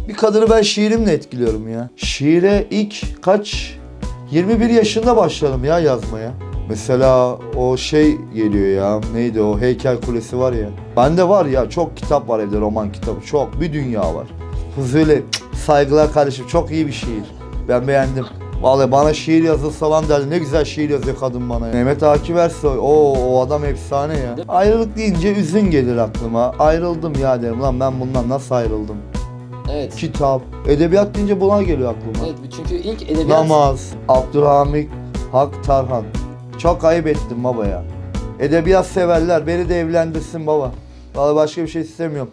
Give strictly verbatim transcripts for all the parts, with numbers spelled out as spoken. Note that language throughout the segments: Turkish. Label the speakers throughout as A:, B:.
A: Bir kadını ben şiirimle etkiliyorum ya. Şiire ilk kaç? yirmi bir yaşında başladım ya yazmaya. Mesela o şey geliyor ya, neydi o Heykel Kulesi var ya. Bende var ya, çok kitap var evde, roman kitabı, çok, bir dünya var. Fuzuli, saygılar kardeşim, çok iyi bir şiir. Ben beğendim. Vallahi bana şiir yazılsa falan derdi, ne güzel şiir yazıyor kadın bana ya. Mehmet Akif Ersoy, o o adam efsane ya. Ayrılık deyince üzün gelir aklıma. Ayrıldım ya derim, lan ben bundan nasıl ayrıldım?
B: Evet.
A: Kitap, edebiyat deyince bunlar geliyor aklıma.
B: Evet, çünkü ilk edebiyat...
A: Namaz, Abdülhamit Hak Tarhan. Çok ayıp ettim baba ya. Edebiyat severler, beni de evlendirsin baba. Vallahi başka bir şey istemiyorum.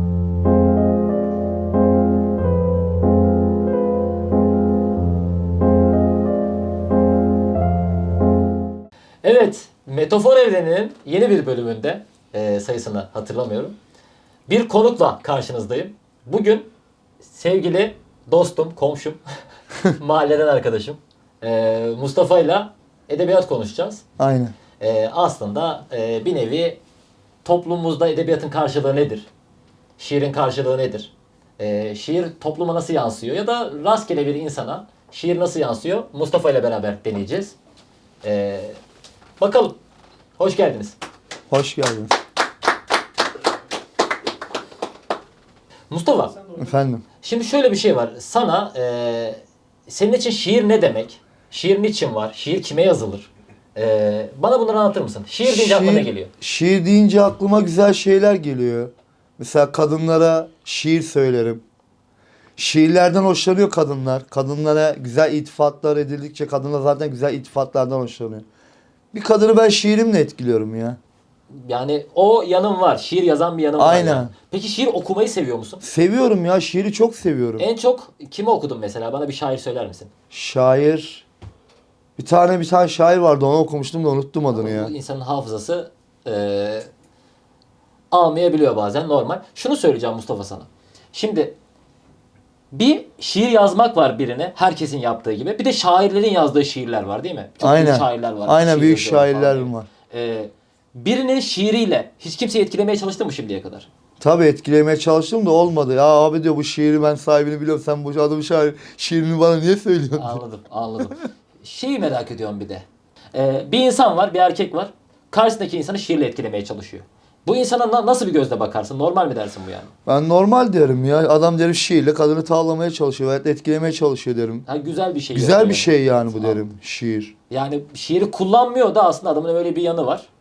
B: Evet, Metafor Evreni'nin yeni bir bölümünde, e, sayısını hatırlamıyorum, bir konukla karşınızdayım. Bugün sevgili dostum, komşum, mahalleden arkadaşım e, Mustafa ile edebiyat konuşacağız.
A: Aynen.
B: E, aslında e, bir nevi toplumumuzda edebiyatın karşılığı nedir? Şiirin karşılığı nedir? E, şiir topluma nasıl yansıyor? Ya da rastgele bir insana şiir nasıl yansıyor? Mustafa ile beraber deneyeceğiz. E, bakalım. Hoş geldiniz.
A: Hoş geldiniz.
B: Mustafa,
A: Efendim.
B: şimdi şöyle bir şey var. Sana e, senin için şiir ne demek? Şiir niçin var? Şiir kime yazılır? E, bana bunları anlatır mısın? Şiir deyince aklına ne geliyor?
A: Şiir deyince aklıma güzel şeyler geliyor. Mesela kadınlara şiir söylerim. Şiirlerden hoşlanıyor kadınlar. Kadınlara güzel iltifatlar edildikçe kadınlar zaten güzel iltifatlardan hoşlanıyor. Bir kadını ben şiirimle etkiliyorum ya.
B: Yani o yanım var. Şiir yazan bir yanım var.
A: Aynen.
B: Yani. Peki şiir okumayı seviyor musun?
A: Seviyorum ya, şiiri çok seviyorum.
B: En çok kimi okudun mesela? Bana bir şair söyler misin?
A: Şair... Bir tane bir tane şair vardı, onu okumuştum da unuttum adını ya.
B: Bu insanın hafızası e, almayabiliyor bazen, normal. Şunu söyleyeceğim Mustafa sana. Şimdi bir şiir yazmak var birine, herkesin yaptığı gibi. Bir de şairlerin yazdığı şiirler var değil mi? Çok
A: Aynen.
B: büyük şairler var.
A: Aynen,
B: şiir
A: büyük
B: yazıyorlar falan
A: şairler
B: diye.
A: var.
B: Ee, birinin şiiriyle hiç kimseyi etkilemeye çalıştın mı şimdiye kadar?
A: Tabii etkilemeye çalıştım da olmadı. Ya abi diyor, bu şiiri ben sahibini biliyorum. Sen bu adamın şair, şiirini bana niye söylüyorsun?
B: Anladım, anladım. Şeyi merak ediyorum bir de. Ee, bir insan var, bir erkek var. Karşısındaki insanı şiirle etkilemeye çalışıyor. Bu insana na- nasıl bir gözle bakarsın? Normal mi dersin bu yani?
A: Ben normal derim ya. Adam derim şiirle kadını tavlamaya çalışıyor veya etkilemeye çalışıyor derim.
B: Ha, güzel bir şey.
A: Güzel
B: yapıyor
A: bir şey yani bu
B: Tamam.
A: derim, şiir.
B: Yani şiiri kullanmıyor da aslında adamın öyle bir yanı var.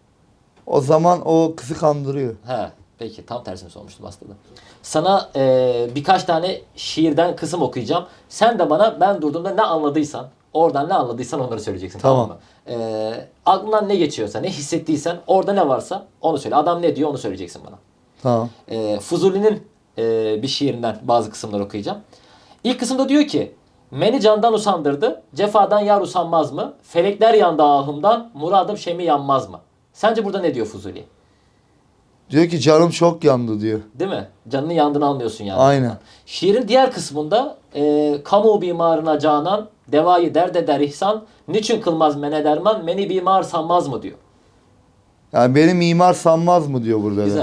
A: O zaman o kızı kandırıyor.
B: He, peki tam tersini sormuştum aslında. Sana e, birkaç tane şiirden kısım okuyacağım. Sen de bana ben durduğumda ne anladıysan, oradan ne anladıysan onları söyleyeceksin. Tamam,
A: Tamam.
B: mı? E, aklından ne geçiyorsa, ne hissettiysen, orada ne varsa onu söyle. Adam ne diyor onu söyleyeceksin bana.
A: Tamam.
B: E, Fuzuli'nin e, bir şiirinden bazı kısımlar okuyacağım. İlk kısımda diyor ki: Meni candan usandırdı, cefadan yar usanmaz mı? Felekler yandı ahımdan, muradım şemi yanmaz mı? Sence burada ne diyor Fuzuli?
A: Diyor ki canım çok yandı diyor.
B: Değil mi? Canının yandığını anlıyorsun yani.
A: Aynen.
B: Şiirin diğer kısmında e, kamu bimarına canan, devayı dert eder ihsan, niçin kılmaz mene derman, meni bimar sanmaz mı diyor.
A: Yani beni mimar sanmaz mı diyor burada.
B: Güzel.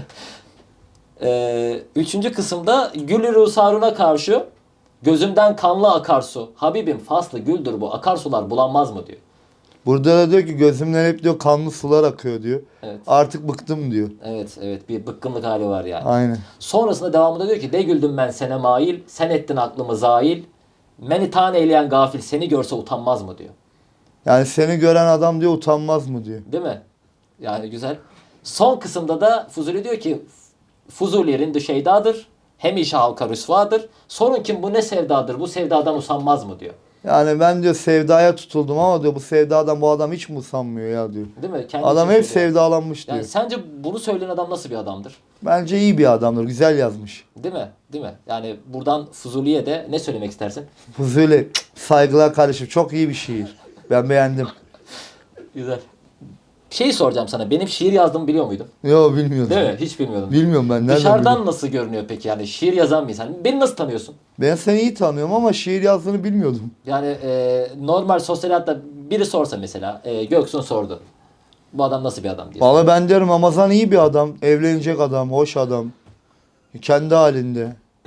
B: e, üçüncü kısımda gülü rusaruna karşı, gözümden kanlı akarsu, Habibim faslı güldür bu, akarsular bulanmaz mı diyor.
A: Burada da diyor ki gözümden hep diyor kanlı sular akıyor diyor.
B: Evet.
A: Artık bıktım diyor.
B: Evet, evet, bir bıkkınlık hali var yani.
A: Aynen.
B: Sonrasında devamında diyor ki: de güldüm ben sene mail, sen ettin aklımı zail, meni tan eyleyen gafil seni görse utanmaz mı diyor.
A: Yani seni gören adam diyor utanmaz mı diyor.
B: Değil mi? Yani güzel. Son kısımda da Fuzuli diyor ki: Fuzulilerin şeydadır, hem işe halka rüsvadır. Sorun kim bu ne sevdadır, bu sevdadan usanmaz mı diyor.
A: Yani ben diyor sevdaya tutuldum ama diyor bu sevdadan bu adam hiç mi usanmıyor ya diyor.
B: Değil mi? Kendi
A: Adam
B: için
A: hep
B: söylüyor.
A: sevdalanmış diyor.
B: Yani sence bunu söyleyen adam nasıl bir adamdır?
A: Bence iyi bir adamdır. Güzel yazmış.
B: Değil mi? Değil mi? Yani buradan Fuzuli'ye de ne söylemek istersin?
A: Fuzuli, saygılar kardeşim. Çok iyi bir şiir. Ben beğendim.
B: Güzel. Şeyi soracağım sana. Benim şiir yazdığımı biliyor muydun?
A: Yo, bilmiyordum.
B: Değil mi? Hiç bilmiyordum.
A: Bilmiyorum ben. Nereden
B: Dışarıdan
A: bileyim?
B: nasıl görünüyor peki yani şiir yazan bir insan? Beni nasıl tanıyorsun?
A: Ben seni iyi tanıyorum ama şiir yazdığını bilmiyordum.
B: Yani e, normal sosyal hayatta biri sorsa mesela, e, Göksun sordu. Bu adam nasıl bir adam diye.
A: Vallahi ben derim Ramazan iyi bir adam. Evlenecek adam, hoş adam. Kendi halinde.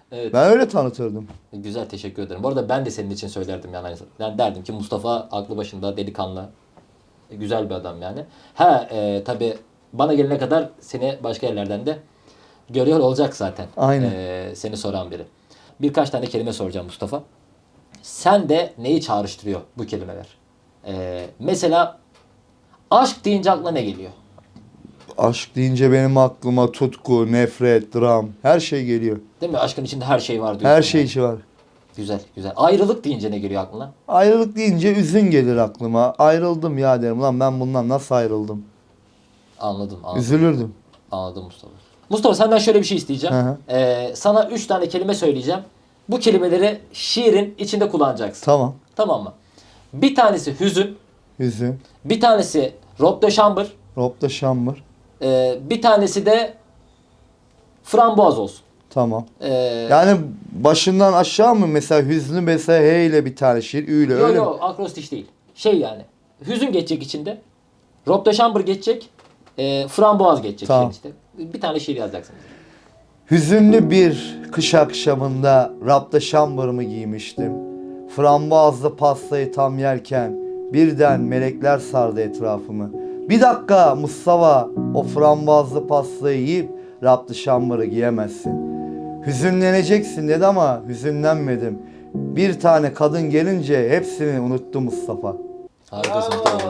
B: Evet.
A: Ben öyle tanıtırdım.
B: Güzel, teşekkür ederim. Bu arada ben de senin için söylerdim yani. Yani derdim ki Mustafa aklı başında, delikanlı, e, güzel bir adam yani. Ha e, tabii bana gelene kadar seni başka yerlerden de görüyor olacak zaten.
A: Aynen.
B: E, seni soran biri. Birkaç tane kelime soracağım Mustafa. Sen de neyi çağrıştırıyor bu kelimeler? E, mesela aşk deyince aklına ne geliyor?
A: Aşk deyince benim aklıma tutku, nefret, dram, her şey geliyor.
B: Değil mi? Aşkın içinde her şey var diyorsun.
A: Her şey
B: yani.
A: içi var.
B: Güzel, güzel. Ayrılık deyince ne geliyor aklına?
A: Ayrılık deyince üzün gelir aklıma. Ayrıldım ya derim. Lan ben bundan nasıl ayrıldım?
B: Anladım, anladım.
A: Üzülürdüm.
B: Anladım Mustafa. Mustafa senden şöyle bir şey isteyeceğim.
A: Hı hı.
B: Ee, sana üç tane kelime söyleyeceğim. Bu kelimeleri şiirin içinde kullanacaksın.
A: Tamam.
B: Tamam mı? Bir tanesi hüzün,
A: Üzün.
B: bir tanesi robe de chambre,
A: Rob da şambır.
B: e, bir tanesi de frambuaz olsun.
A: Tamam.
B: Ee,
A: Yani başından aşağı mı mesela hüznü mesela H ile bir tane şiir, Ü ile
B: Yok
A: öyle mi?
B: yok akrostiş değil. Şey yani. Hüzün geçecek içinde. Robe de chambre geçecek. E, frambuaz geçecek
A: Tamam.
B: şiirin işte. Bir tane şiir yazacaksınız.
A: Hüzünlü bir kış akşamında rapta şambırımı giymiştim. Frambuazlı pastayı tam yerken birden melekler sardı etrafımı. Bir dakika Mustafa, o frambuazlı pastayı yiyip rapta şambırı giyemezsin. Hüzünleneceksin dedi ama hüzünlenmedim. Bir tane kadın gelince hepsini unuttu Mustafa.
B: Harikasın Mustafa.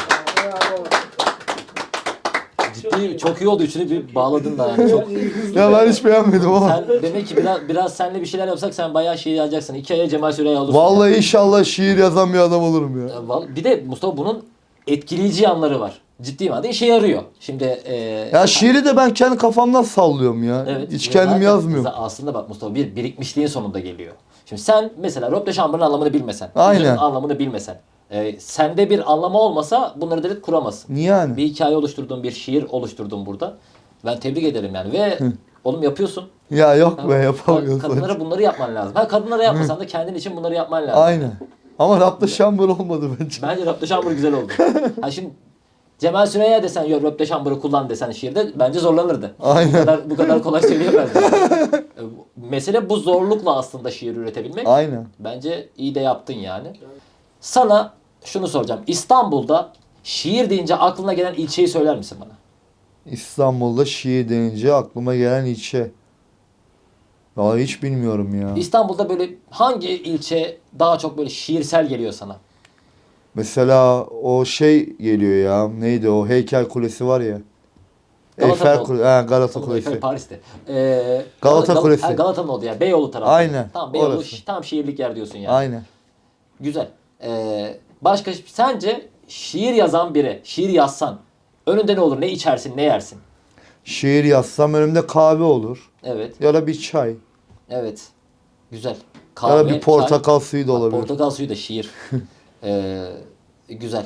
B: Ciddi çok iyi oldu. Üçünü bir bağladın da yani. Çok...
A: Ya ben hiç beğenmedim ama.
B: Sen demek ki biraz biraz seninle bir şeyler yapsak sen bayağı şiir yazacaksın. İki aya Cemal Süreya olursun.
A: Vallahi inşallah şiir yazan bir adam olurum ya.
B: Ya. Val- Bir de Mustafa bunun etkileyici yanları var. Ciddi manada işe yarıyor. Şimdi e,
A: Ya şiiri de ben kendi kafamdan sallıyorum ya.
B: evet,
A: Hiç
B: ya
A: kendim
B: zaten
A: yazmıyorum.
B: za- Aslında bak Mustafa bir birikmişliğin sonunda geliyor. Şimdi sen mesela robe de chambre'ın anlamını bilmesen,
A: Aynen.
B: hüzünün anlamını bilmesen, e, sende bir anlamı olmasa bunları direkt kuramazsın.
A: Niye yani?
B: Bir hikaye oluşturdun, bir şiir oluşturdun burada. Ben tebrik ederim yani ve oğlum yapıyorsun.
A: Ya yok be
B: Ha,
A: yapamıyorsun.
B: Kadınlara bunları yapman lazım. Ha kadınlara yapmasan da kendin için bunları yapman lazım.
A: Aynen. Ama rapta şambur olmadı bence.
B: Bence Röpte Şambur güzel oldu. Ha şimdi Cemal Süreyya desen yok Röpte Şambur'u kullan desen şiirde bence zorlanırdı.
A: Aynen.
B: Bu kadar, bu kadar kolay söyleyemezdi. E, Mesele bu zorlukla aslında şiir üretebilmek.
A: Aynen.
B: Bence iyi de yaptın yani. Sana şunu soracağım. İstanbul'da şiir deyince aklına gelen ilçeyi söyler misin bana?
A: İstanbul'da şiir denince aklıma gelen ilçe. Vallahi hiç bilmiyorum ya.
B: İstanbul'da böyle hangi ilçe daha çok böyle şiirsel geliyor sana?
A: Mesela o şey geliyor ya. Neydi o heykel kulesi var ya.
B: Galata
A: Eyfel
B: Kol-
A: Kulesi. He, Galata
B: Tamam,
A: Kulesi.
B: Eyfel Paris'te. Ee,
A: Galata
B: Gal-
A: Kulesi.
B: Ha, Galata'nın oldu ya. Beyoğlu tarafı.
A: Aynen,
B: Tamam Beyoğlu
A: orası.
B: şi- tam şiirlik yer diyorsun yani.
A: Aynen.
B: Güzel. Ee, başka sence şiir yazan biri, şiir yazsan önünde ne olur? Ne içersin, ne yersin?
A: Şiir yazsam önümde kahve olur.
B: Evet.
A: Ya da bir çay.
B: Evet. Güzel.
A: Ya da bir portakal
B: çay.
A: suyu da
B: Bak,
A: olabilir.
B: portakal suyu da şiir. ee, güzel.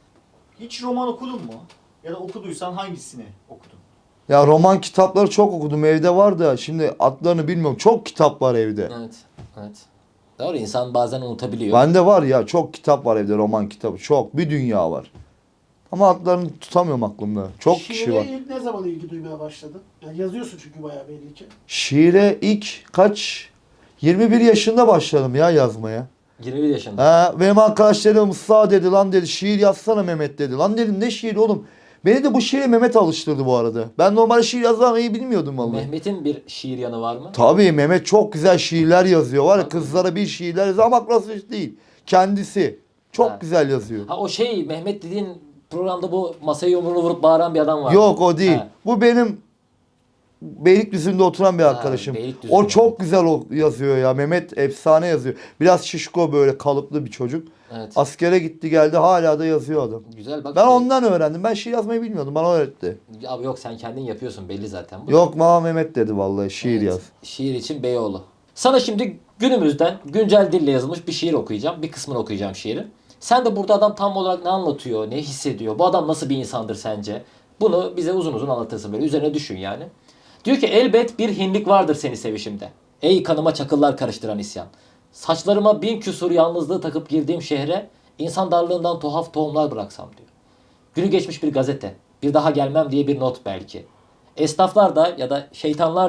C: Hiç roman okudun mu? Ya da okuduysan hangisini okudun?
A: Ya roman kitapları çok okudum. Evde var da şimdi adlarını bilmiyorum. Çok kitap var evde.
B: Evet. Evet. Doğru insan bazen unutabiliyor.
A: Bende var ya çok kitap var evde, roman kitabı. Çok. Bir dünya var. Ama adlarını tutamıyorum aklımda. Çok kişi
D: Şiire
A: var.
D: ilk ne zaman ilgi duymaya başladın? Yani yazıyorsun çünkü bayağı belli ki.
A: Şiire ilk kaç? yirmi bir yaşında başladım ya yazmaya.
B: yirmi bir yaşında.
A: Ha, benim arkadaşlarım Musa dedi lan dedi şiir yazsana Mehmet dedi. Lan dedim ne şiir oğlum? Beni de bu şiire Mehmet alıştırdı bu arada. Ben normal şiir yazmayı bilmiyordum vallahi.
B: Mehmet'in bir şiir yanı var mı?
A: Tabii Mehmet çok güzel şiirler yazıyor. Var ya kızlara bir şiirler yazıyor ama klasik değil. Kendisi çok
B: Ha.
A: güzel yazıyor.
B: Ha o şey Mehmet dediğin programda bu masaya yumruğunu vurup bağıran bir adam var.
A: Yok o değil.
B: Ha.
A: Bu benim Beylikdüzü'nde oturan bir
B: Ha,
A: arkadaşım.
B: Beylikdüzü'nde.
A: O çok güzel o- yazıyor ya. Mehmet efsane yazıyor. Biraz şişko böyle kalıplı bir çocuk.
B: Evet.
A: Askere gitti geldi hala da yazıyor adam.
B: Güzel bak.
A: Ben
B: şey-
A: ondan öğrendim. Ben şiir yazmayı bilmiyordum. Bana öğretti.
B: Abi yok sen kendin yapıyorsun belli zaten. Bu.
A: Yok Mama Mehmet dedi vallahi şiir
B: Evet,
A: yaz.
B: Şiir için Beyoğlu. Sana şimdi günümüzden güncel dille yazılmış bir şiir okuyacağım. Bir kısmını okuyacağım şiirin. Sen de burada adam tam olarak ne anlatıyor, ne hissediyor, bu adam nasıl bir insandır sence? Bunu bize uzun uzun anlatırsın böyle üzerine düşün yani. Diyor ki elbet bir hinlik vardır seni sevişimde. Ey kanıma çakıllar karıştıran isyan. Saçlarıma bin küsur yalnızlığı takıp girdiğim şehre insan darlığından tuhaf tohumlar bıraksam diyor. Günü geçmiş bir gazete. Bir daha gelmem diye bir not belki. Esnaflar da ya da şeytanlar da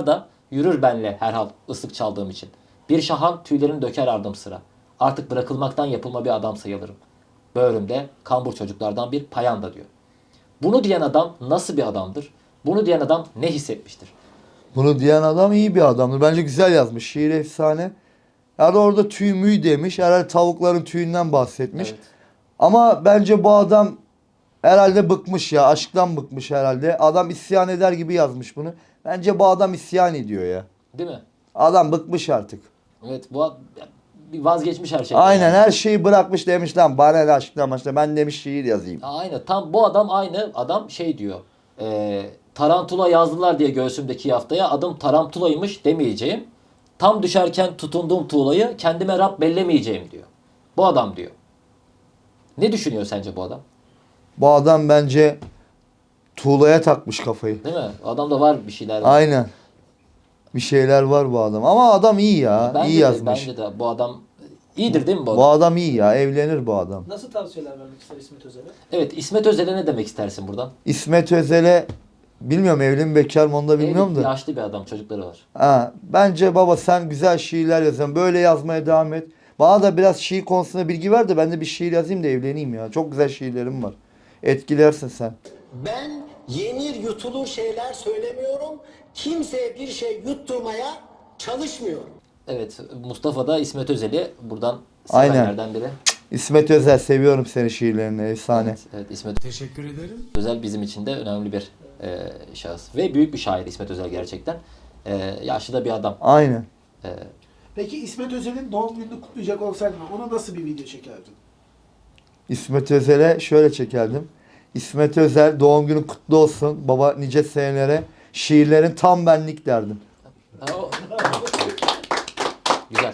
B: Yürür benle herhal ıslık çaldığım için. Bir şahan tüylerini döker ardım sıra. Artık bırakılmaktan yapılma bir adam sayılırım. Böğrümde kambur çocuklardan bir payanda diyor. Bunu diyen adam nasıl bir adamdır? Bunu diyen adam ne hissetmiştir?
A: Bunu diyen adam iyi bir adamdır. Bence güzel yazmış. Şiir efsane. Yani orada tüy müy demiş. Herhalde tavukların tüyünden bahsetmiş.
B: Evet.
A: Ama bence bu adam herhalde bıkmış ya. Aşktan bıkmış herhalde. Adam isyan eder gibi yazmış bunu. Bence bu adam isyan ediyor ya.
B: Değil mi?
A: Adam bıkmış artık.
B: Evet, bu ad- bir vazgeçmiş her şeyden.
A: Aynen
B: yani.
A: her şeyi bırakmış demiş lan. Bana ne aşktan başla. Ben demiş şiir yazayım.
B: Aynen. Tam bu adam aynı adam şey diyor. E, tarantula yazdılar diye göğsümdeki yaftaya adım tarantulaymış demeyeceğim. Tam düşerken tutunduğum tuğlayı kendime Rab bellemeyeceğim diyor. Bu adam diyor. Ne düşünüyor sence bu adam?
A: Bu adam bence tuğlaya takmış kafayı.
B: Değil mi? Adamda var bir şeyler.
A: Aynen. Bir şeyler var bu adam. Ama adam iyi ya.
B: Bence
A: iyi
B: de,
A: yazmış.
B: bence de bu adam iyidir değil mi bu adam?
A: Bu adam iyi ya. Evlenir bu adam.
D: Nasıl tavsiyeler vermek ister İsmet Özel'e?
B: Evet, İsmet Özel'e ne demek istersin buradan?
A: İsmet Özel'e bilmiyorum evli mi bekar mı onu da bilmiyorum
B: Evli,
A: da.
B: yaşlı bir adam, çocukları var.
A: Ha, bence baba sen güzel şiirler yazıyorsun. Böyle yazmaya devam et. Bana da biraz şiir konusunda bilgi ver de ben de bir şiir yazayım da evleneyim ya. Çok güzel şiirlerim var. Etkilersin sen.
E: Ben yenir yutulur şeyler söylemiyorum. Kimseye bir şey yutturmaya çalışmıyorum.
B: Evet, Mustafa da İsmet Özel'i buradan
A: Aynen.
B: sevenlerden biri.
A: İsmet Özel seviyorum seni şiirlerini. Efsane.
B: Evet, evet, İsmet Teşekkür ederim. Özel bizim için de önemli bir e, şahıs. Ve büyük bir şair İsmet Özel gerçekten. E, yaşlı da bir adam.
A: Aynen.
B: E,
D: Peki İsmet Özel'in doğum gününü kutlayacak olsaydın ona nasıl bir video çekerdin?
A: İsmet Özel'e şöyle çekerdim. İsmet Özel doğum günün kutlu olsun. Baba nice senelere. Şiirlerin tam benlik derdim.
B: ha, o- Güzel.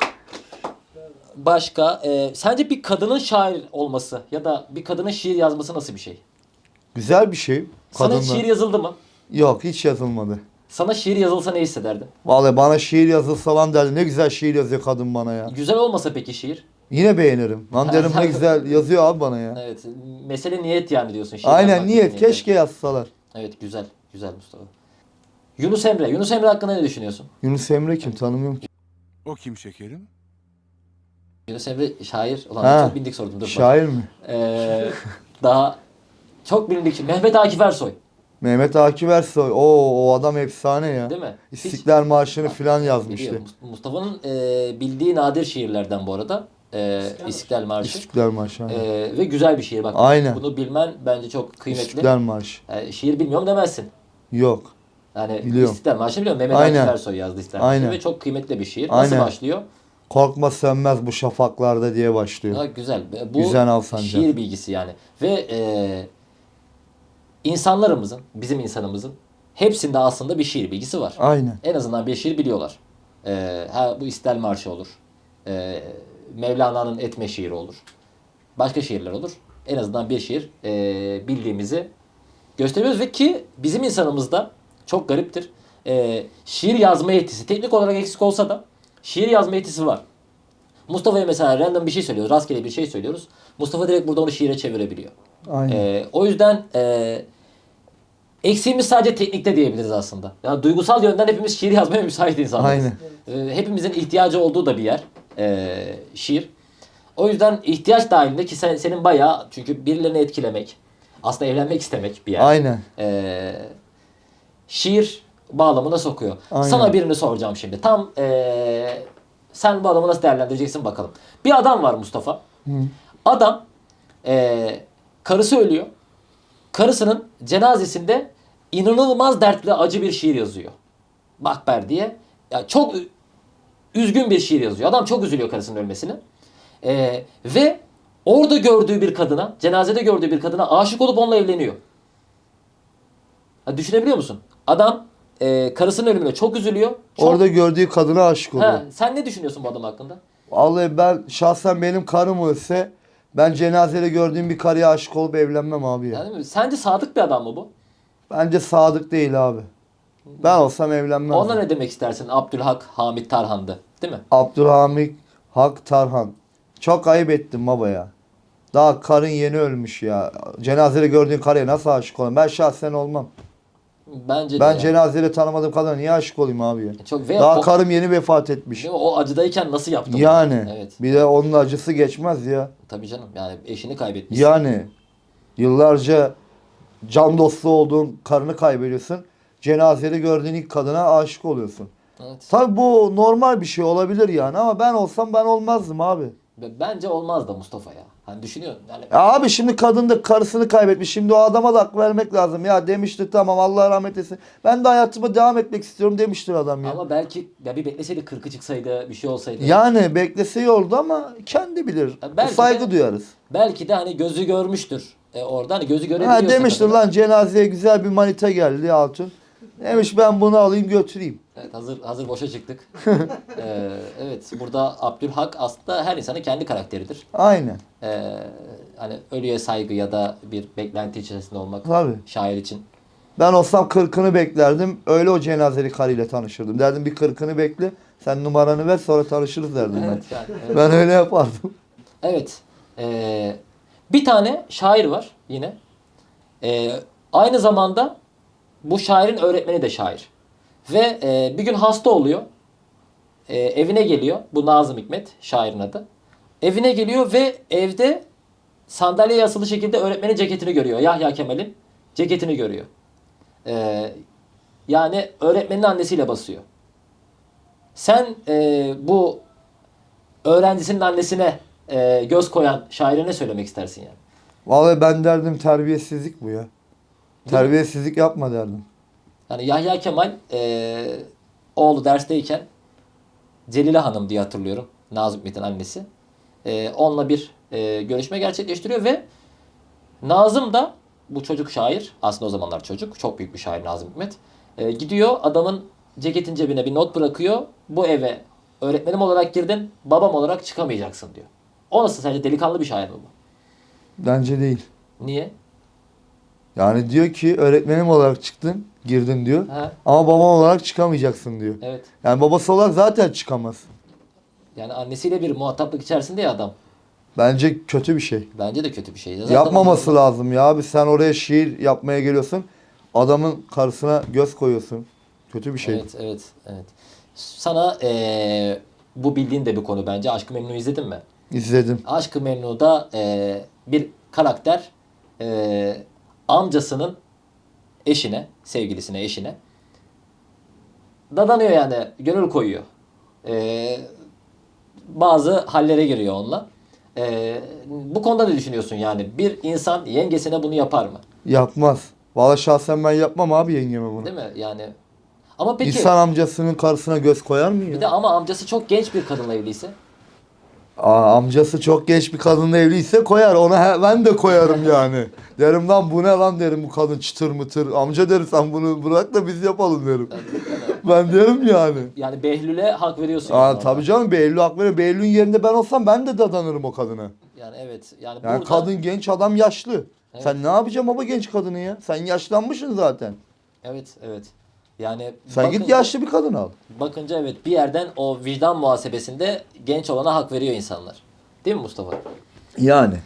B: Başka, e, sence bir kadının şair olması ya da bir kadının şiir yazması nasıl bir şey?
A: Güzel bir şey.
B: Sana hiç
A: Kadınla.
B: şiir yazıldı mı?
A: Yok hiç yazılmadı.
B: Sana şiir yazılsa ne hissederdin?
A: Vallahi bana şiir yazılsa falan derdi. Ne güzel şiir yazıyor kadın bana ya.
B: Güzel olmasa peki şiir?
A: Yine beğenirim. Lan derim ne güzel yazıyor abi bana ya.
B: Evet. Mesele niyet yani diyorsun. Şiir
A: Aynen
B: yazmak
A: niyet.
B: niyeti.
A: Keşke yazsalar.
B: Evet, güzel. Güzel Mustafa. Yunus Emre. Yunus Emre hakkında ne düşünüyorsun?
A: Yunus Emre kim tanımıyorum ki.
F: O kim şekerim?
B: Yunus Emre şair. Ulan
A: Ha,
B: çok bildik sordum. Dur, bak.
A: Şair mi?
B: Ee, daha çok bilindik. Mehmet Akif Ersoy.
A: Mehmet Akif Ersoy. Oo o adam efsane ya.
B: Değil mi? Hiç-
A: İstiklal Marşı'nı filan
B: Biliyor.
A: yazmıştı.
B: Mus- Mustafa'nın e, bildiği nadir şiirlerden bu arada. E, İstiklal Marşı.
A: İstiklal Marşı. Aynen.
B: E, ve güzel bir şiir. Bak,
A: Aynen.
B: bunu bilmen bence çok kıymetli.
A: İstiklal Marşı.
B: E, şiir bilmiyorum demezsin.
A: Yok.
B: Yani
A: Biliyorum.
B: İstiklal Marşı biliyorum. Mehmet
A: Aynen.
B: Akif Ersoy yazdı İstiklal Marşı
A: Aynen.
B: ve çok kıymetli bir şiir. Nasıl
A: Aynen.
B: başlıyor?
A: Korkma sönmez bu şafaklarda diye başlıyor.
B: Ha, güzel. Bu
A: Güzel Alsancak.
B: şiir bilgisi yani. Ve e, insanlarımızın, bizim insanımızın hepsinde aslında bir şiir bilgisi var.
A: Aynen.
B: En azından bir şiir biliyorlar. E, ha, bu İstiklal Marşı olur. E, Mevlana'nın Etme şiiri olur. Başka şiirler olur. En azından bir şiir e, bildiğimizi gösteriyoruz ve ki bizim insanımızda çok gariptir. E, şiir yazma yetisi teknik olarak eksik olsa da şiir yazma yetisi var. Mustafa'ya mesela random bir şey söylüyoruz. Rastgele bir şey söylüyoruz. Mustafa direkt burada onu şiire çevirebiliyor.
A: Aynen.
B: Ee, o yüzden e, eksiğimiz sadece teknikte diyebiliriz aslında. Yani duygusal yönden hepimiz şiir yazmaya müsait insanlarız.
A: Aynen.
B: Ee, hepimizin ihtiyacı olduğu da bir yer. e, şiir. O yüzden ihtiyaç dahilinde ki sen, senin bayağı çünkü birilerini etkilemek, aslında evlenmek istemek bir yer.
A: Aynen.
B: Ee, şiir bağlamına sokuyor.
A: Aynen.
B: Sana birini soracağım şimdi. Tam ee, sen bu adamı nasıl değerlendireceksin bakalım. Bir adam var Mustafa. Adam ee, karısı ölüyor. Karısının cenazesinde inanılmaz dertli acı bir şiir yazıyor. Makber diye. Ya çok ü- üzgün bir şiir yazıyor. Adam çok üzülüyor karısının ölmesine. Ee, ve orada gördüğü bir kadına, cenazede gördüğü bir kadına aşık olup onunla evleniyor. Ha, düşünebiliyor musun? Adam e, karısının ölümüne çok üzülüyor. Çok...
A: Orada gördüğü kadına aşık oluyor.
B: Ha, sen ne düşünüyorsun bu adam hakkında?
A: Vallahi ben şahsen benim karım ölse ben cenazede gördüğüm bir karıya aşık olup evlenmem abi ya.
B: Yani, sence sadık bir adam mı bu?
A: Bence sadık değil abi. Ben olsam evlenmem.
B: Ona ne demek istersin? Abdülhak Hamit Tarhan'dı. Değil mi?
A: Abdülhamit Hak Tarhan. Çok ayıp ettin baba ya. Daha karın yeni ölmüş ya. Cenazede gördüğün karıya nasıl aşık olayım? Ben şahsen olmam.
B: Bence de
A: Ben
B: yani.
A: cenazeyle tanımadığım kadına niye aşık olayım abi ya?
B: Çok ve
A: Daha
B: o,
A: karım yeni vefat etmiş.
B: değil mi? O acıdayken nasıl yaptın bunu?
A: Yani
B: Evet.
A: bir de onun acısı geçmez ya.
B: Tabii canım. Yani eşini kaybetmiş.
A: Yani yıllarca can dostu olduğun karını kaybediyorsun. Cenazede gördüğün ilk kadına aşık oluyorsun.
B: Evet.
A: Tabii bu normal bir şey olabilir yani ama ben olsam ben olmazdım abi.
B: Ve bence olmaz da Mustafa ya. Hani düşünüyorum yani.
A: Ya abi şimdi kadın da karısını kaybetmiş. Şimdi o adama da hak vermek lazım. Ya demiştir tamam Allah rahmet eylesin. Ben de hayatıma devam etmek istiyorum demiştir adam ya.
B: Ama belki ya bir bekleseydi kırkı çıksaydı bir şey olsaydı.
A: Yani beklese iyi oldu ama kendi bilir.
B: Ya belki
A: Saygı
B: de-
A: duyarız.
B: Belki de hani gözü görmüştür. E orada hani gözü görebiliyorsa.
A: Ha demiştir
B: kadın.
A: lan cenazeye güzel bir manita geldi Hatun. Demiş ben bunu alayım götüreyim.
B: Evet, hazır hazır boşa çıktık. Ee, evet, burada Abdülhak aslında her insanın kendi karakteridir.
A: Aynen.
B: Ee, hani ölüye saygı ya da bir beklenti içerisinde olmak
A: Tabii.
B: şair için.
A: Ben olsam kırkını beklerdim. Öyle o cenazeli karıyla tanışırdım. Derdim bir kırkını bekle. Sen numaranı ver sonra tanışırız derdim
B: Evet, yani,
A: ben.
B: evet.
A: Ben öyle yapardım.
B: Evet. Ee, bir tane şair var yine. Ee, aynı zamanda bu şairin öğretmeni de şair. Ve e, bir gün hasta oluyor. E, evine geliyor. Bu Nazım Hikmet şairin adı. Evine geliyor ve evde sandalyeye asılı şekilde öğretmenin ceketini görüyor. Yahya Kemal'in ceketini görüyor. Ee, yani öğretmenin annesiyle basıyor. Sen e, bu öğrencisinin annesine e, göz koyan şaire ne söylemek istersin yani?
A: Vallahi ben derdim terbiyesizlik bu ya. Terbiyesizlik yapma derdim.
B: Yani Yahya Kemal e, oğlu dersteyken Celile Hanım diye hatırlıyorum. Nazım Hikmet'in annesi. E, onunla bir e, görüşme gerçekleştiriyor ve Nazım da bu çocuk şair. Aslında o zamanlar çocuk. Çok büyük bir şair Nazım Hikmet. E, gidiyor adamın ceketin cebine bir not bırakıyor. Bu eve öğretmenim olarak girdin, babam olarak çıkamayacaksın diyor. O nasıl, sence delikanlı bir şair mi bu?
A: Bence değil.
B: Niye?
A: Yani diyor ki öğretmenim olarak çıktın, girdin diyor.
B: Ha,
A: Ama babam olarak çıkamayacaksın diyor.
B: evet.
A: Yani babası olarak zaten çıkamaz.
B: Yani annesiyle bir muhataplık içerisinde ya adam.
A: Bence kötü bir şey.
B: Bence de kötü bir şey. Zaten
A: Yapmaması lazım ya abi. Sen oraya şiir yapmaya geliyorsun. Adamın karısına göz koyuyorsun. Kötü bir şey.
B: Evet, evet, evet. Sana eee, bu bildiğin de bir konu bence. Aşk-ı Memnu'yu izledin mi?
A: İzledim.
B: Aşk-ı Memnu'da eee, bir karakter eee, amcasının eşine, sevgilisine, eşine dadanıyor yani. Gönül koyuyor. Eee, bazı hallere giriyor onunla. Eee, bu konuda ne düşünüyorsun yani? Bir insan yengesine bunu yapar mı?
A: Yapmaz. Vallahi şahsen ben yapmam abi yengeme bunu.
B: Değil mi? Yani ama peki
A: İnsan amcasının karısına göz koyar mı
B: bir
A: ya?
B: de ama amcası çok genç bir kadınla evliyse.
A: Aa, amcası çok genç bir kadınla evliyse koyar. Ona he- ben de koyarım yani. Derim lan bu ne lan derim bu kadın çıtır mıtır. Amca derim sen bunu bırak da biz yapalım derim. Ben derim yani.
B: Yani Behlül'e hak veriyorsun.
A: Aa,
B: yani
A: tabii
B: orada.
A: canım Behlül hak veriyor. Behlül'ün yerinde ben olsam ben de dadanırım o kadına.
B: Yani evet. Yani,
A: Yani
B: burada
A: kadın genç adam yaşlı.
B: Evet.
A: Sen ne yapacaksın baba genç kadını ya? Sen yaşlanmışsın zaten.
B: evet, evet. Yani
A: Sen git
B: bakınca-
A: yaşlı bir kadın al.
B: Bakınca evet bir yerden o vicdan muhasebesinde genç olana hak veriyor insanlar. Değil mi Mustafa?
A: Yani.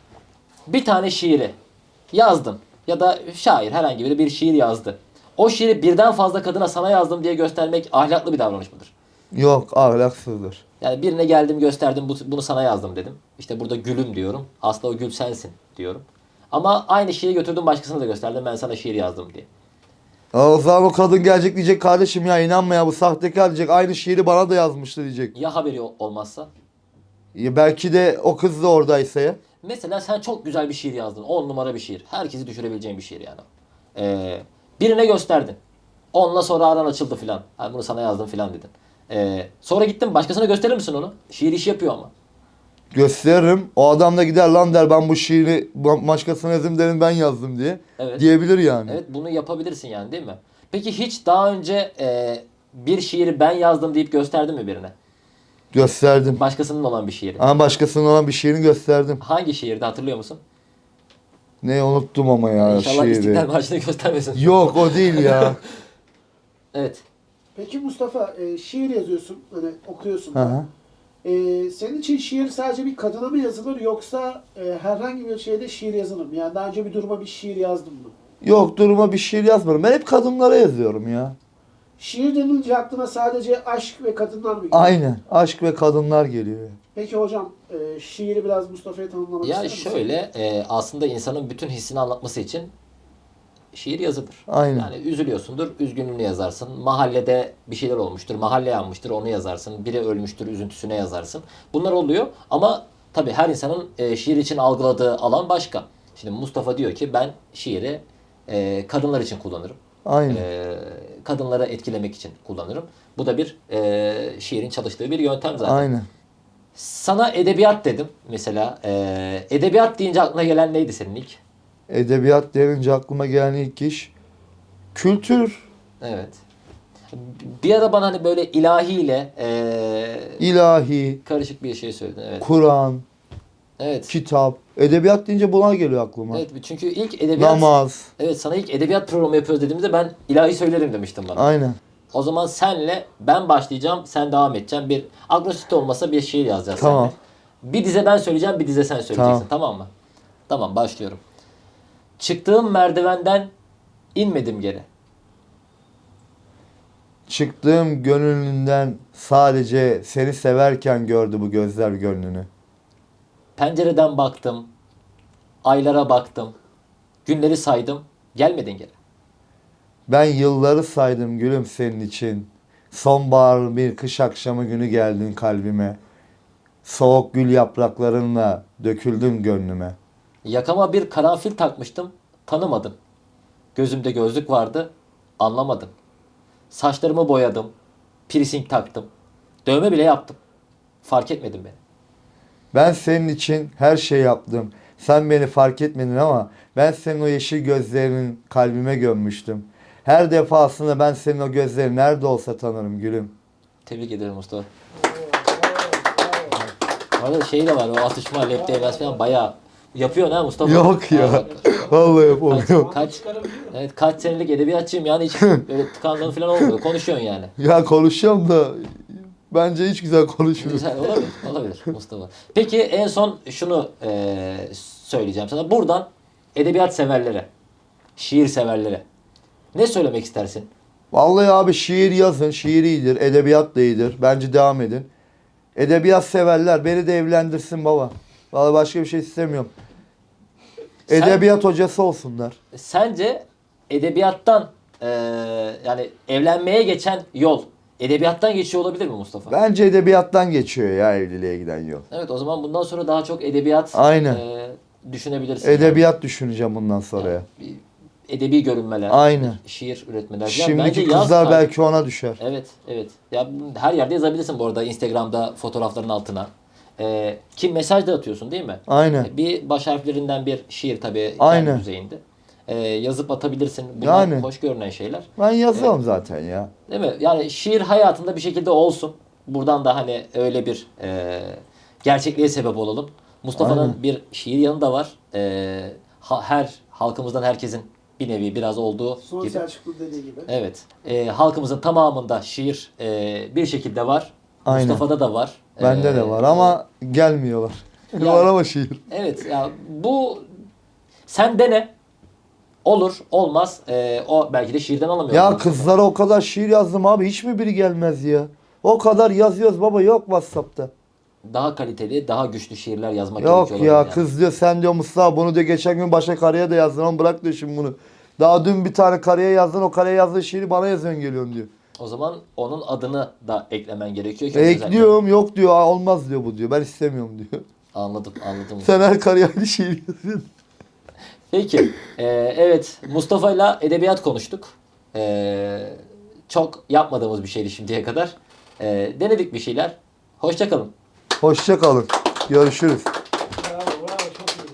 B: Bir tane şiiri yazdın ya da şair herhangi biri bir şiir yazdı. O şiiri birden fazla kadına sana yazdım diye göstermek ahlaklı bir davranış mıdır?
A: Yok ahlaksızdır.
B: Yani birine geldim gösterdim bu- bunu sana yazdım dedim. İşte burada gülüm diyorum. Aslında o gül sensin diyorum. Ama aynı şiiri götürdüm başkasına da gösterdim ben sana şiir yazdım diye.
A: Aa, o zaman o kadın gelecek diyecek kardeşim ya inanma ya bu sahtekar diyecek. Aynı şiiri bana da yazmıştı diyecek.
B: Ya haberi ol- olmazsa?
A: Ya belki de o kız da oradaysa ya.
B: Mesela sen çok güzel bir şiir yazdın. on numara bir şiir. Herkesi düşürebileceğin bir şiir yani. Ee, birine gösterdin. Onunla sonra aran açıldı filan. Ha, bunu sana yazdım filan dedin. Ee, sonra gittin başkasına gösterir misin onu? Şiir işi yapıyor ama.
A: Gösteririm. O adam da gider lan der ben bu şiiri bu- başkasına yazdım derim ben yazdım diye.
B: Evet.
A: Diyebilir yani.
B: Evet bunu yapabilirsin yani değil mi? Peki hiç daha önce e, bir şiiri ben yazdım deyip gösterdin mi birine?
A: Gösterdim.
B: Başkasının olan bir şiiri.
A: Ama başkasının olan bir şiirini gösterdim.
B: Hangi şiirdi hatırlıyor musun?
A: Ne unuttum ama ya
B: İnşallah
A: şiiri.
B: İstiklal Marşı'nı göstermesin.
A: Yok o değil ya.
B: Evet.
D: Peki Mustafa, e, şiir yazıyorsun, hani okuyorsun.
A: Hı hı.
D: E, senin için şiir sadece bir kadına mı yazılır yoksa e, herhangi bir şeyde şiir yazılır mı? Yani daha önce bir duruma bir şiir yazdın mı?
A: Yok, duruma bir şiir yazmıyorum. Ben hep kadınlara yazıyorum ya.
D: Şiir denilince aklına sadece aşk ve kadınlar mı geliyor?
A: Aynen. Aşk ve kadınlar geliyor.
D: Peki hocam, e, şiiri biraz Mustafa'ya tanımlamak ister
B: Ya
D: misin?
B: şöyle e, aslında insanın bütün hissini anlatması için şiir yazılır.
A: Aynen.
B: Yani üzülüyorsundur, üzgünlüğünü yazarsın. Mahallede bir şeyler olmuştur, mahalle yanmıştır, onu yazarsın. Biri ölmüştür, üzüntüsüne yazarsın. Bunlar oluyor ama tabii her insanın e, şiir için algıladığı alan başka. Şimdi Mustafa diyor ki ben şiiri e, kadınlar için kullanırım.
A: Aynen.
B: E, kadınları etkilemek için kullanırım. Bu da bir e, şiirin çalıştığı bir yöntem zaten.
A: Aynen.
B: Sana edebiyat dedim mesela. E, edebiyat deyince aklına gelen neydi senin ilk?
A: Edebiyat denince aklıma gelen ilk iş kültür,
B: Evet. Bir ara bana hani böyle ilahiyle e,
A: ilahi,
B: karışık bir şey söyledin. Evet.
A: Kur'an,
B: Evet.
A: kitap. Edebiyat deyince bunlar geliyor aklıma.
B: Evet. Çünkü ilk edebiyat
A: Namaz.
B: Evet, sana ilk edebiyat programı yapıyoruz dediğimizde ben ilahi söylerim demiştim bana.
A: Aynen.
B: O zaman senle ben başlayacağım, sen devam edeceksin. Bir agnostik olmasa bir şiir yazacağız
A: Tamam.
B: seninle. Bir dize ben söyleyeceğim, bir dize sen söyleyeceksin.
A: Tamam.
B: Tamam mı? Tamam, başlıyorum. Çıktığım merdivenden inmedim geri.
A: Çıktığım gönlünden sadece seni severken gördü bu gözler gönlünü.
B: Pencereden baktım, aylara baktım, günleri saydım, gelmedin geri.
A: Ben yılları saydım gülüm senin için. Sonbahar bir kış akşamı günü geldin kalbime. Soğuk gül yapraklarınla döküldün gönlüme.
B: Yakama bir karanfil takmıştım, tanımadın. Gözümde gözlük vardı, anlamadın. Saçlarımı boyadım, piercing taktım. Dövme bile yaptım. Fark etmedin beni.
A: Ben senin için her şey yaptım. Sen beni fark etmedin ama ben senin o yeşil gözlerinin kalbime gömmüştüm. Her defasında ben senin o gözleri nerede olsa tanırım gülüm.
B: Tebrik ederim Mustafa. Orada şey de var, o atışma, lep değmez falan bayağı yapıyor ha Mustafa.
A: Yok ya.
B: Ha, bak.
A: Vallahi yapamıyorum.
B: Kaç, evet, kaç senelik edebiyatçıyım yani hiç böyle tıkandığın falan olmuyor. Konuşuyorsun yani.
A: Ya konuşuyorum da bence hiç güzel konuşmuyorum.
B: Güzel, olabilir, olabilir Mustafa. Peki en son şunu eee, söyleyeceğim sana. Buradan edebiyat severlere, şiir severlere ne söylemek istersin?
A: Vallahi abi şiir yazın. Şiir iyidir. Edebiyat da iyidir. Bence devam edin. Edebiyat severler. Beni de evlendirsin baba. Vallahi başka bir şey istemiyorum.
B: Sen-
A: Edebiyat hocası olsunlar.
B: Sence edebiyattan eee, yani evlenmeye geçen yol edebiyattan geçiyor olabilir mi Mustafa?
A: Bence edebiyattan geçiyor ya evliliğe giden yol.
B: Evet, o zaman bundan sonra daha çok edebiyat
A: Aynen.
B: eee, düşünebilirsin.
A: Edebiyat düşüneceğim bundan sonra ya.
B: Yani. Bir edebi görünmeler,
A: Aynen.
B: şiir üretmeler. Ya
A: Şimdiki
B: bence yaz
A: kızlar
B: tabii.
A: belki ona düşer.
B: Evet, evet. Ya her yerde yazabilirsin bu arada Instagram'da fotoğrafların altına. Ee, ki mesaj da atıyorsun değil mi?
A: Aynen.
B: Ee, Bir baş harflerinden bir şiir tabii
A: Aynen.
B: kendi düzeyinde. Ee, yazıp atabilirsin. Bunlar
A: Yani.
B: hoş görünen şeyler.
A: Ben yazarım zaten ya.
B: Değil mi? Yani şiir hayatında bir şekilde olsun. Buradan da hani öyle bir e, gerçekliğe sebep olalım. Mustafa'nın
A: Aynen.
B: bir şiir yanı da var. E, ha- her halkımızdan herkesin bir nevi biraz olduğu
D: Son
B: gibi.
D: Selçuklu dediği gibi.
B: Evet. E, halkımızın tamamında şiir e, bir şekilde var.
A: Aynen.
B: Mustafa'da da var.
A: Bende
B: E,
A: de var ama gelmiyorlar.
B: Ya-
A: Var ama şiir.
B: Evet ya bu sen dene. Olur, olmaz. E, o belki de şiirden alamıyor.
A: Ya kızlara o kadar şiir yazdım abi. Hiç mi biri gelmez ya? O kadar yazıyoruz baba, yok WhatsApp'ta.
B: Daha kaliteli, daha güçlü şiirler yazmak
A: Yok
B: gerekiyor
A: ya,
B: olabilir yani.
A: kız diyor sen diyor Mustafa bunu diyor geçen gün başka karıya da yazdın ama bırak diyor şimdi bunu. Daha dün bir tane karıya yazdın, o karıya yazdığın şiiri bana yazıyorsun geliyorsun diyor.
B: O zaman onun adını da eklemen gerekiyor ki.
A: E,
B: özellikle-
A: ekliyorum, yok diyor, "Aa, olmaz diyor bu diyor, ben istemiyorum diyor.
B: Anladım, anladım.
A: Sen her karıya aynı şiir yazıyorsun.
B: Peki, e, evet Mustafa'yla edebiyat konuştuk. E, çok yapmadığımız bir şeydi şimdiye kadar. E, denedik bir şeyler. Hoşça kalın.
A: Hoşça kalın. Görüşürüz.